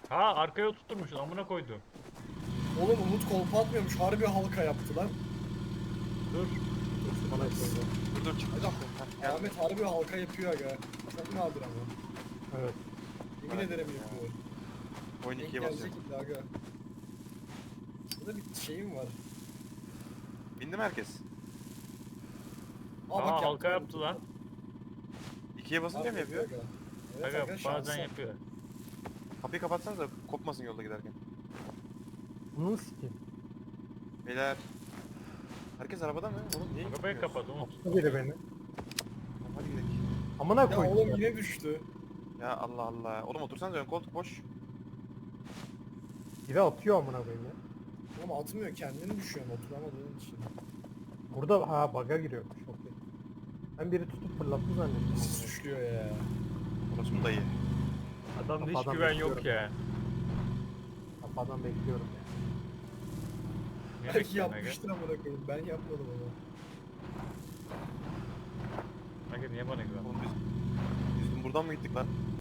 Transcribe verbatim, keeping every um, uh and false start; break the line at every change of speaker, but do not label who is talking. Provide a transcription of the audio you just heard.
Ha arkaya oturtmuşsun amına koydum.
Oğlum Umut kolpa atmıyormuş. Harbi halka yaptı lan.
Dur.
Bana koydu.
Dur dur çıktı
Aga,
çıktı. Heh, geldi.
Ahmet harbi halka yapıyor aga. Çok nadir ama.
Evet.
Yemin
Merak
ederim
etme ya.
yapıyor.
Oyun
Denk
ikiye basıyor.
gelecek illa aga. Burada bir şeyim var.
Bindi mi herkes?
Aa,
Aa
bak
halka
yaptı
yaptı lan.
İkiye basınca mı yapıyor?
Aga. Evet
Aga
aga,
bazen
şansa.
yapıyor.
Kapıyı kapatsanız da kopmasın yolda giderken.
Bunu sikeyim.
Beyler. Herkes arabada mı? Oğlum niye
Arabayı
gitmiyoruz?
kapat Umut.
Bu biri beni.
Tamam, hadi gidelim.
Amına
Ya
koydum.
oğlum yine düştü.
Ya Allah Allah. Oğlum otursanız ön koltuk boş.
Biri atıyor amına koyayım ya.
Ama atmıyor, kendini düşüyor oturamadığın için.
Burada ha bug'a giriyormuş. Okey. Ben biri tutup fırlattı zannettim.
Siz düşüyor ya.
Orası mı dayı?
Adamda hiç
Kafadan
güven yok
bekliyorum.
ya.
Kafadan bekliyorum ya.
Niye
Belki
bekliyorsun Aga?
yapmıştır amına koyayım. Ben yapmadım ama.
Aga niye bana güven?
Oğlum biz, biz buradan mı gittik lan?